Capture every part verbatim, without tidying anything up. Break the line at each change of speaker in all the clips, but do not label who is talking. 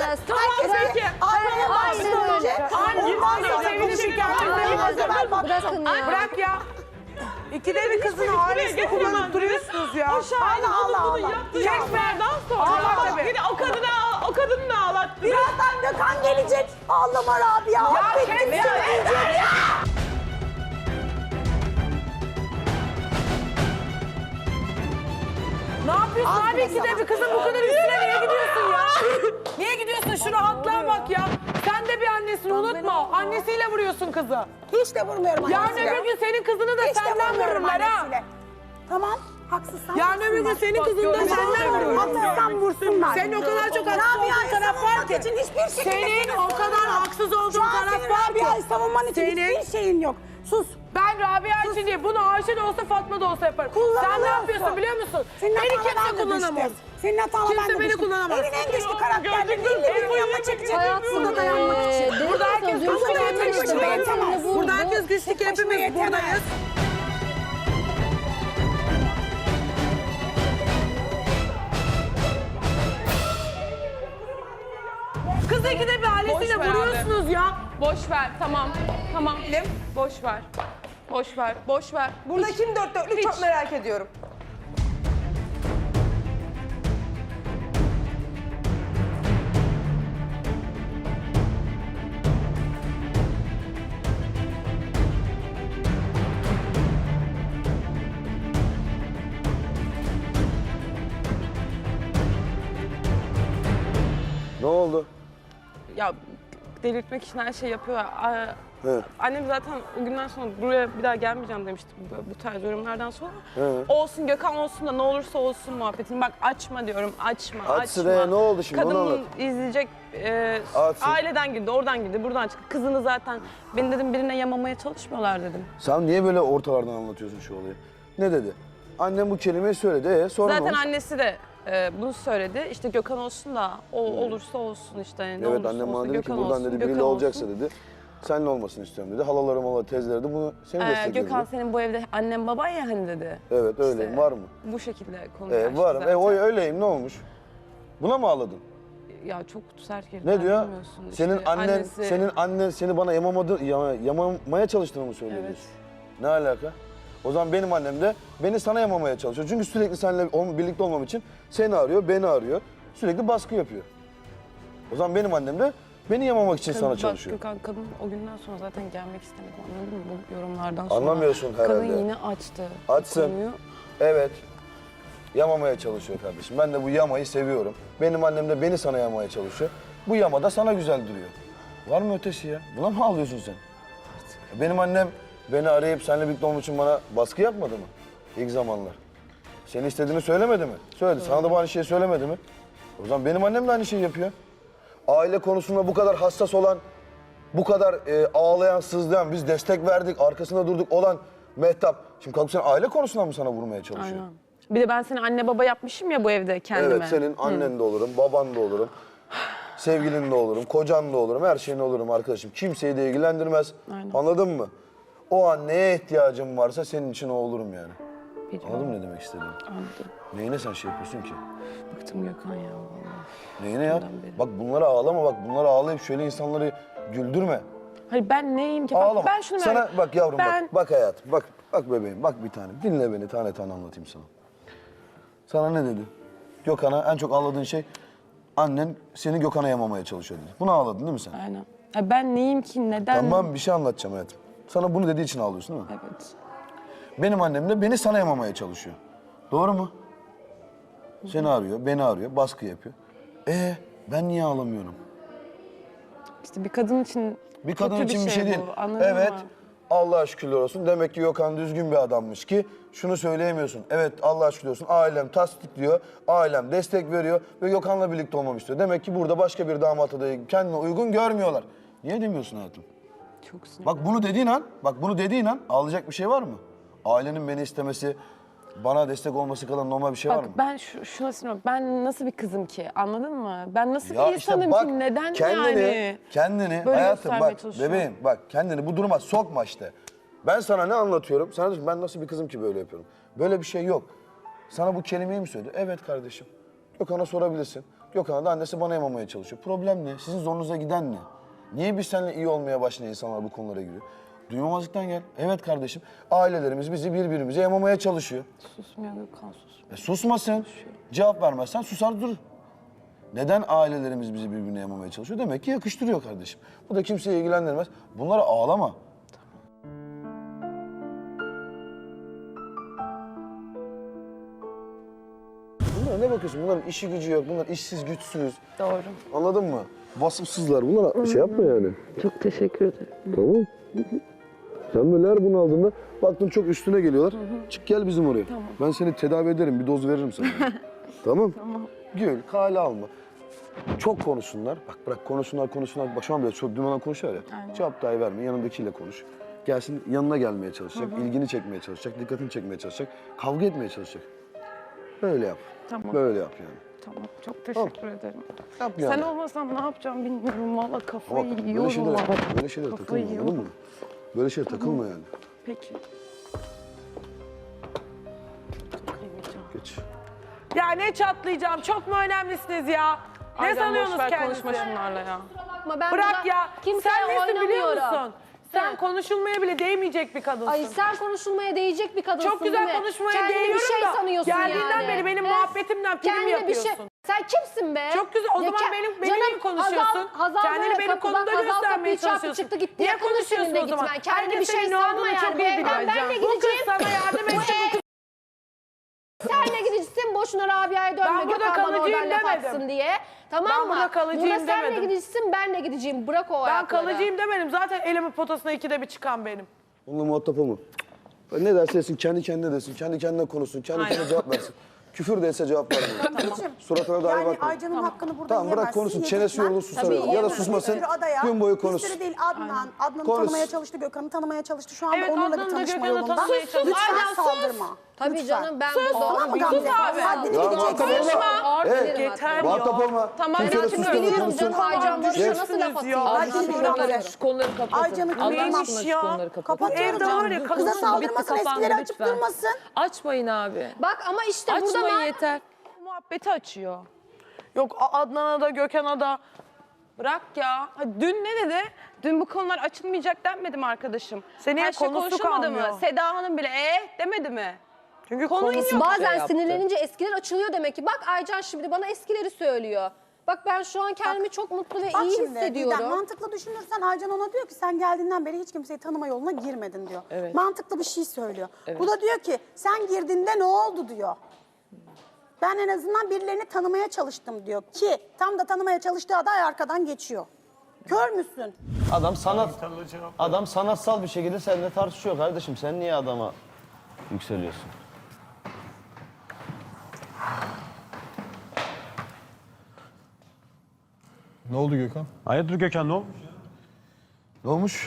Herkes peki.
Aynen öyle.
Ondan sonra şikayet
Bırakın ya.
Bırak ya. İkide bir kızın ailesini kullanıp duruyorsunuz ya.
O şahane Allah Allah.
Çekmerden sonra. Bir de o kadını o kadını da ağlat.
Birazdan Gökhan gelecek. Ağlama Rabia. Affettim seni diyecek.
Ne yapıyorsun abi ikide bir kızın bu kadar üstüne niye gidiyorsun ya? Niye gidiyorsun? Şu rahatlığa bak ya. Sen de bir annesin unutma. Annesiyle vuruyorsun kızı.
Hiç de vurmuyorum
Yarın
annesiyle.
öbür gün senin kızını da
Hiç de
senden
vurmuyorum
vururlar ha.
annesiyle. Tamam. Haksızsan
Yarın öbür gün senin kızını da senden vururlar.
Haksızsan vursunlar.
Senin o kadar çok haksız olduğun taraf var ki.
için hiçbir şekilde...
Senin o kadar haksız olduğun
Şu an
taraf
senin
var ki.
Rabia'yı savunman için
Senin-
hiçbir şeyin yok. Sus.
Ben Rabia için değil, bunu Ayşe de olsa Fatma da olsa yaparım. Sen ne
Kullanılıyorsun.
yapıyorsun biliyor musun?
Senin
Beni
hatana ben
kimse
de
kullanamaz.
düştüm. Senin hatana ben
Kimse
de
beni
düştüm.
kullanamaz.
Evin en güçlü karakterleri ellerini yanına çekecek. Burada dayanmak için.
Burada herkes
Burada
güçlü
dayanmak için
hepimiz buradayız.
yetemez.
Burada herkes güçlü
Tek başına
hepimiz
yetemez.
buradayız. Kız ikide bir ailesiyle
Boş ver
vuruyorsunuz ya.
Boş ver, tamam. Tamam. Boş ver. Boş ver, boş ver.
Burada kim dört dörtlük çok merak ediyorum.
Ne oldu?
Ya delirtmek için her şey yapıyor. Aa,
He.
Annem zaten o günden sonra buraya bir daha gelmeyeceğim demişti bu, bu tarz yorumlardan sonra.
He.
Olsun Gökhan olsun da ne olursa olsun muhabbetini. Bak açma diyorum, açma,
Açsın
açma.
he, ne oldu şimdi, onu
Kadının
anlat.
izleyecek, e,
Açsın.
aileden girdi, oradan girdi, buradan çıktı. Kızını zaten, beni dedim birine yamamaya çalışmıyorlar dedim.
Sen niye böyle ortalardan anlatıyorsun şu olayı? Ne dedi? Annem bu kelimeyi söyledi. Ee, sonra ne
Zaten
olmuş?
annesi de e, bunu söyledi. İşte Gökhan olsun da o olursa olsun işte. Ne
Evet,
olursa
annem
olsun,
bana dedi ki
Gökhan
buradan
olsun,
dedi
Gökhan
biriyle olacaksa
olsun.
dedi. Seninle olmasını istiyorum dedi. Halalarım, hala teyzeleri de bunu seni
Ee,
destekledi.
Gökhan
dedi.
senin bu evde annem baban ya hani dedi.
Evet öyleyim,
İşte
var mı?
Bu şekilde konuşuyor.
Ee, varım. E, o öyleyim, ne olmuş? Buna mı ağladın?
Ya çok sert girdi.
Ne diyor?
anlamıyorsun.
Senin
İşte
annen,
annesi-
senin annen seni bana yamamadı, yama- yamamaya çalıştığını mı söylüyor?
Evet.
diyorsun? Ne alaka? O zaman benim annem de beni sana yamamaya çalışıyor. Çünkü sürekli seninle ol- birlikte olmam için seni arıyor, beni arıyor. Sürekli baskı yapıyor. O zaman benim annem de beni yamamak için
Kadın-
sana
bak,
çalışıyor.
Gökhan kadın o günden sonra zaten gelmek istemedi anladın mı bu yorumlardan sonra.
Anlamıyorsun herhalde.
Kadın yine açtı. bu
Açsın.
konuyu.
Evet. Yamamaya çalışıyor kardeşim. Ben de bu yamayı seviyorum. Benim annem de beni sana yamaya çalışıyor. Bu yama da sana güzel duruyor. Var mı ötesi ya? Buna mı ağlıyorsun sen? Benim annem beni arayıp seninle birlikte olmak için bana baskı yapmadı mı? İlk zamanlar. Seni istediğini söylemedi mi? Söyledi. Sana da bu aynı şeyi söylemedi mi? O zaman benim annem de aynı şeyi yapıyor. Aile konusunda bu kadar hassas olan, bu kadar e, ağlayan, sızlayan, biz destek verdik, arkasında durduk olan Mehtap. Şimdi kalkıp sen aile konusundan mı sana vurmaya çalışıyor?
Aynen. Bir de ben seni anne baba yapmışım ya bu evde kendime.
Evet, senin annen de olurum, baban da olurum, sevgilin de olurum, kocan da olurum, her şeyin olurum arkadaşım. Kimseyi de ilgilendirmez.
Aynen.
Anladın mı? O an neye ihtiyacım varsa senin için o olurum yani.
Biliyorum.
Anladın mı ne demek istediğimi?
Anladım.
Neyine sen şey yapıyorsun ki?
Bıktım Gökhan ya vallahi.
Neyine yap?
Bundan beri.
Bak bunlara ağlama, bak bunlara ağlayıp şöyle insanları güldürme.
Hayır ben neyim ki? Bak,
Ağlama.
ben şunu
Sana
merak-
bak yavrum
ben...
bak, bak hayatım, bak, bak bebeğim, bak bir tane. Dinle beni, tane tane anlatayım sana. Sana ne dedi? Gökhan'a en çok ağladığın şey, annen seni Gökhan'a yamamaya çalışıyor dedi. Buna ağladın değil mi sen?
Aynen. Ya ben neyim ki? Neden?
Tamam, bir şey anlatacağım hayatım. Sana bunu dediği için ağlıyorsun değil mi?
Evet.
Benim annem de beni sana yamamaya çalışıyor. Doğru mu? Seni arıyor, beni arıyor, baskı yapıyor. Ee, ben niye ağlamıyorum?
İşte bir kadın için
Bir kadın
kötü
için bir şey,
bu,
değil.
anladın
Evet,
mı?
Allah'a şükürler olsun. Demek ki Gökhan düzgün bir adammış ki şunu söyleyemiyorsun. Evet, Allah'a şükürler olsun. Ailem tasdikliyor, ailem destek veriyor ve Gökhan'la birlikte olmamı istiyor. Demek ki burada başka bir damat adayı kendine uygun görmüyorlar. Niye demiyorsun hayatım?
Çok sinir.
Bak bunu dediğin an, bak bunu dediğin an ağlayacak bir şey var mı? Ailenin beni istemesi, bana destek olması kadar normal bir şey var
Bak
mı?
ben şu, şuna sinirleniyorum. Ben nasıl bir kızım ki? Anladın mı? Ben nasıl
Ya
bir insanım
bak,
ki? Neden
kendini,
yani?
Kendini,
Böyle
hayatım
göstermeye
bak
çalışıyor.
bebeğim bak kendini bu duruma sokma işte. Ben sana ne anlatıyorum? Sana diyorsun ben nasıl bir kızım ki böyle yapıyorum? Böyle bir şey yok. Sana bu kelimeyi mi söyledi? Evet kardeşim. Gökhan'a sorabilirsin. Gökhan'a da annesi bana yamamaya çalışıyor. Problem ne? Sizin zorunuza giden ne? Niye biz seninle iyi olmaya başlayan insanlar bu konulara giriyor? Duymamazlıktan gel. Evet kardeşim, ailelerimiz bizi birbirimize yamamaya çalışıyor.
Susmuyor Gökhan, susmuyor.
E susmasın. Cevap vermezsen susar durur. Neden ailelerimiz bizi birbirine yamamaya çalışıyor? Demek ki yakıştırıyor kardeşim. Bu da kimseyi ilgilendirmez. Bunlara ağlama. Bunlara ne bakıyorsun? Bunların işi gücü yok. Bunlar işsiz, güçsüz.
Doğru.
Anladın mı? Vasıfsızlar. Bunlara şey yapma yani.
Çok teşekkür ederim.
Tamam. Sen böyle her bunu aldığında baktın çok üstüne geliyorlar. Çık gel bizim oraya.
Tamam.
Ben seni tedavi ederim. Bir doz veririm sana. Tamam.
Tamam.
Gül, kale alma. Çok konuşsunlar. Bak bırak konuşsunlar konuşsunlar. Bak şu an bile çok dümen konuşuyor ya.
Aynen.
Cevap dahi verme. Yanındakiyle konuş. Gelsin yanına gelmeye çalışacak. ilgini çekmeye çalışacak. Dikkatini çekmeye çalışacak. Kavga etmeye çalışacak. Böyle yap.
Tamam.
Böyle yap yani.
Tamam, çok teşekkür ederim.
Yap yani.
Sen olmasan ne yapacağım bilmiyorum. Valla kafayı
Ama böyle
yiyorum.
şeylere,
valla.
böyle şeylere
Kafayı
takılma anladın mı? Böyle şeylere takılma yani.
Peki. Takılmayacağım.
Geç.
Ya ne çatlayacağım? Çok mu önemlisiniz ya? Ne
Aydan
sanıyorsunuz
boş ver,
kendinizi?
konuşma şunlarla ya.
Bakma ben
Bırak
burada
ya.
kimseye
Sen nesin biliyor
oynamıyorum.
musun? Sen konuşulmaya bile değmeyecek bir kadınsın.
Ay sen konuşulmaya değecek bir kadınsın
Çok güzel
değil mi?
konuşmaya
Kendini
değiyorum
bir şey
da
sanıyorsun
geldiğinden
yani.
beri benim
He?
muhabbetimden prim
Kendine
yapıyorsun.
Bir şey... Sen kimsin be?
Çok güzel. O
Ya
zaman
ke-
benim benimle
Canım,
mi konuşuyorsun?
Hazal, Hazal
Kendini
böyle
benim
kapıdan
konumda
Hazal
göstermeye
kapıyı çarptı
çalışıyorsun.
çıktı gitti.
Niye
Yakın
konuşuyorsun
seninle
o zaman?
gitmen. Kendine
Herkes
bir şey
senin ne
sanma
olduğunu
yani.
çok
Bu
iyi
evden
biliyor.
benle
Bu kız
gideceğim.
sana yardım edecek. Bu kız
Senle gideceksin boşuna Rabia'ya dönme.
Ben burada
Gökhan bana
kalıcıyım
oradan laf
demedim.
atsın diye. Tamam
Ben
mı?
burada kalıcıyım
Burada senle
demedim.
gideceksin benle gideceğim. Bırak o
Ben
ayakları.
kalıcıyım demedim. Zaten elimin potasına ikide bir çıkan benim.
Onunla muhatap olma. Ne derse desin, kendi kendine desin, kendi kendine konuşsun, kendi kendine cevap versin. Küfür de etse cevap vermiyor. Suratına dahi
Yani
bakma.
Aycan'ın hakkını burada
Tamam bırak
yiyemezsin,
konuşsun,
yedirtmem.
çenesi yorulur susar.
Tabii
Ya da
yiyemez.
susmasın,
Bir sürü adaya,
gün boyu
bir
konuşsun.
sürü değil Adnan. Adnan'ı
Konuş.
tanımaya çalıştı, Gökhan'ı tanımaya çalıştı. Şu anda
Evet,
onunla
Adnan'ı
bir
da
tanışma
Gökhan'ı
yolunda.
tanımaya çalıştı.
Lütfen
Aynen, sus.
saldırma.
Tabii
Lütfen.
canım ben burada
Tamam mı Gamze?
abi.
Haddini
Ya
bileceksin.
muhatap olma.
Ağır
Evet.
dilerim
Yeter
hatta.
Muhatap olma.
Tamam,
Kimse de
ben
susturma,
Biliyorum
konuşsun.
canım Aycan Barış'a nasıl
Düştünüz
laf atayım?
ya.
Aycan
Haddini
Barış'a
bil
laf-
Gamze.
Şu konuları kapatın.
Aycan'ı
Allah
neymiş
aşkına şu
ya?
konuları kapatın.
Kapatıyorum
Evde var ya,
canım.
kadın
Kıza
bitti,
saldırmasın,
kapandı,
eskileri açıp
lütfen.
durmasın.
Açmayın abi.
Bak ama işte burada
Açmayın
ben...
yeter. Muhabbeti açıyor.
Yok Adnan'a da Gökhan'a da.
Bırak ya. Ha, dün ne dedi? Dün bu konular açılmayacak denmedi mi arkadaşım?
Senin
Her şey
konusu
konuşulmadı
kalmıyor.
mı? Seda Hanım bile eh demedi mi?
Çünkü
Konuyu
konusu
yok.
Bazen
yaptı.
sinirlenince eskiler açılıyor demek ki. Bak Aycan şimdi bana eskileri söylüyor. Bak ben şu an kendimi çok mutlu ve
Bak
iyi
şimdi
hissediyorum.
Didem, mantıklı düşünürsen Aycan ona diyor ki sen geldiğinden beri hiç kimseyi tanıma yoluna girmedin diyor.
Evet.
Mantıklı bir şey söylüyor. Bu da diyor ki sen girdiğinde ne oldu diyor. Ben en azından birilerini tanımaya çalıştım diyor ki tam da tanımaya çalıştığı aday arkadan geçiyor. Kör müsün?
Adam sanat adam sanatsal bir şekilde seninle tartışıyor kardeşim. Sen niye adama yükseliyorsun?
Ne oldu Gökhan?
Hayırdır Gökhan ne olmuş?
Ne olmuş?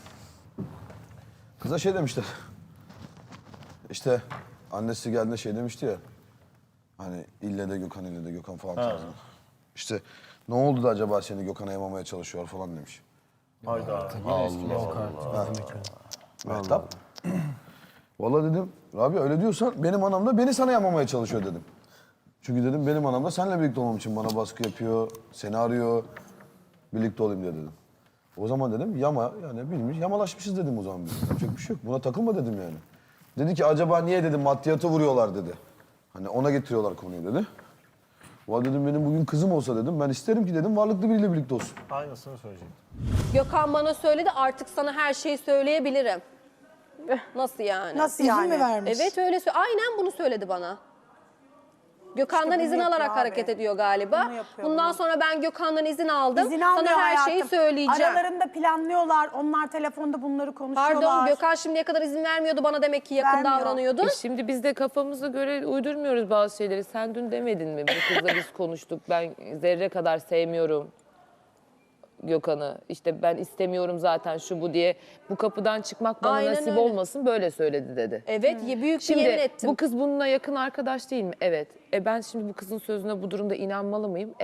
Kıza şey demişler. İşte annesi geldiğinde şey demişti ya. Hani ille de Gökhan, ille de Gökhan falan tarzında. İşte ne oldu da acaba seni Gökhan'a yamamaya çalışıyor falan demiş.
Hayda.
Mehtap. Vallahi dedim, Rabia öyle diyorsan benim anam da beni sana yamamaya çalışıyor dedim. Çünkü dedim benim anam da seninle birlikte olmam için bana baskı yapıyor, seni arıyor, birlikte olayım diye dedim. O zaman dedim yama, yani bilmiş, yamalaşmışız dedim o zaman biz. Yapacak bir şey yok, buna takılma dedim yani. Dedi ki acaba niye dedim maddiyatı vuruyorlar dedi. Hani ona getiriyorlar konuyu dedi. Vallahi dedim benim bugün kızım olsa dedim, ben isterim ki dedim varlıklı biriyle birlikte olsun.
Aynısını söyleyecektim.
Gökhan bana söyledi artık sana her şeyi söyleyebilirim. Nasıl yani?
Nasıl yani? mi vermiş?
Evet öyle söyledi. Aynen bunu söyledi bana. Gökhan'dan
İşte bunu
izin
yapıyor
alarak
abi.
hareket ediyor galiba.
Bunu yapıyor,
Bundan
bunu.
sonra ben Gökhan'dan izin aldım.
İzin
Sana
almıyor
her
hayatım.
şeyi söyleyeceğim.
Aralarında planlıyorlar. Onlar telefonda bunları konuşuyorlar.
Pardon Gökhan şimdiye kadar izin vermiyordu bana demek ki yakın
Vermiyor.
davranıyordu.
E şimdi biz de kafamıza göre uydurmuyoruz bazı şeyleri. Sen dün demedin mi? Bu kızla biz konuştuk. Ben zerre kadar sevmiyorum Gökhan'ı. İşte ben istemiyorum zaten şu bu diye. Bu kapıdan çıkmak bana
Aynen
nasip
öyle.
olmasın böyle söyledi dedi.
Evet büyük bir yemin
Şimdi
ettim.
bu kız bununla yakın arkadaş değil mi? Evet. E ben şimdi bu kızın sözüne bu durumda inanmalı mıyım? Evet.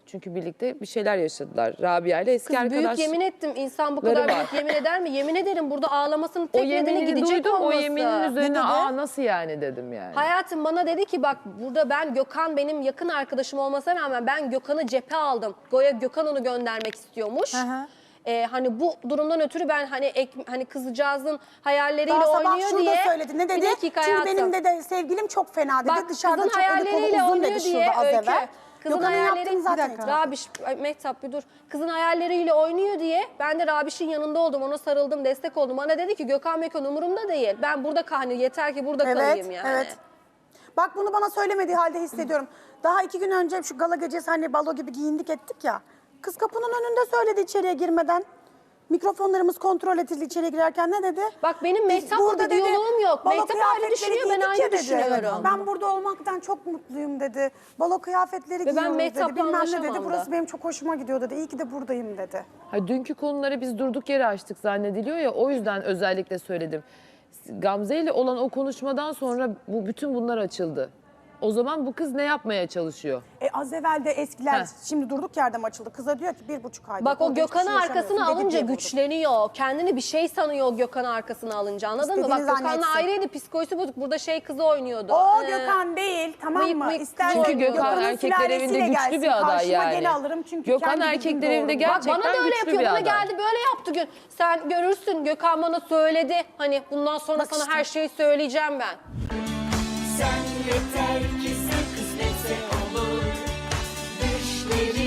Çünkü birlikte bir şeyler yaşadılar. Rabia ile eski
Kız
arkadaş.
büyük yemin ettim. İnsan bu kadar
var.
büyük yemin eder mi? Yemin ederim burada ağlamasının
O
tek nedeni
yeminini
gidecek
duydum.
olması.
O yeminin üzerine
dedi?
aa nasıl yani dedim yani.
Hayatım bana dedi ki bak burada ben Gökhan benim yakın arkadaşım olmasına rağmen ben Gökhan'ı cephe aldım. Goya Gökhan onu göndermek istiyormuş.
Hı hı.
Ee, hani bu durumdan ötürü ben hani ek, hani kızcağızın hayalleriyle
Daha sabah
oynuyor
şunu
diye.
da söyledi. Ne dedi?
Bir dakika
Çünkü
hayatım.
benim de, de sevgilim çok fena dedi.
Bak
Dışarıda
kızın
çok dedikodu
hayalleriyle
uzun
oynuyor
dedi
diye
şurada az
Öykü.
evvel.
Kızın
Gökhan'ın
hayalleri
yaptığını zaten itiraf.
Rabiş, ay, Mehtap bir dur. Kızın hayalleriyle oynuyor diye ben de Rabiş'in yanında oldum. Ona sarıldım, destek oldum. Bana dedi ki Gökhan Mekan umurumda değil. Ben burada hani yeter ki burada
Evet,
kalayım yani.
evet. Bak bunu bana söylemediği halde hissediyorum. Daha iki gün önce şu gala gecesi hani balo gibi giyindik ettik ya. Kız kapının önünde söyledi içeriye girmeden. Mikrofonlarımız kontrol edildi içeri girerken ne dedi?
Bak benim
Biz
Mehtap'la
burada
bir
dedi,
diyaloğum yok.
balo
Mehtap ayrı
kıyafetleri
düşünüyor, ben
giydik
aynı
ya dedi.
düşünüyorum.
Ben burada olmaktan çok mutluyum dedi. Balo kıyafetleri
ben
giyiyoruz dedi.
Mehtap'la
Bilmem ne dedi.
anlaşamam da.
Burası benim çok hoşuma gidiyor dedi. İyi ki de buradayım dedi.
Ha, dünkü konuları biz durduk yere açtık zannediliyor ya, o yüzden özellikle söyledim. Gamze ile olan o konuşmadan sonra bu bütün bunlar açıldı. O zaman bu kız ne yapmaya çalışıyor?
E az evvel de eskiler
Heh.
şimdi durduk yerde mi açıldı? Kıza diyor ki bir buçuk aydır.
Bak o
burada hiçbir
Gökhan'ı
şey
arkasına
yaşamıyorsun dedi
alınca
diye vurdu.
güçleniyor. Kendini bir şey sanıyor o Gökhan'ı arkasına alınca, anladın mı? Bak
İstediğini
Gökhan'la
zannetsin.
ayrıydı, psikolojisi bozuk. Burada şey kızı oynuyordu.
O
Ee,
Gökhan değil tamam
mıyık
mı?
mıyık
İstersen
Çünkü
Çünkü Gökhan
Gökhan'ın
erkekler evinde
sülalesiyle
güçlü
gelsin,
bir aday
karşıma
yani.
gene alırım çünkü
Gökhan
kendi
erkekler
bildiğim
evinde
doğru.
gerçekten
Bak bana da öyle
güçlü
yapıyor.
bir
Bana
adam.
geldi böyle yaptı gün. Sen görürsün Gökhan bana söyledi. Hani bundan sonra
Bak
sana
işte.
her şeyi söyleyeceğim ben.
Sen yeter ki sen kısmetse olur. Düşlerin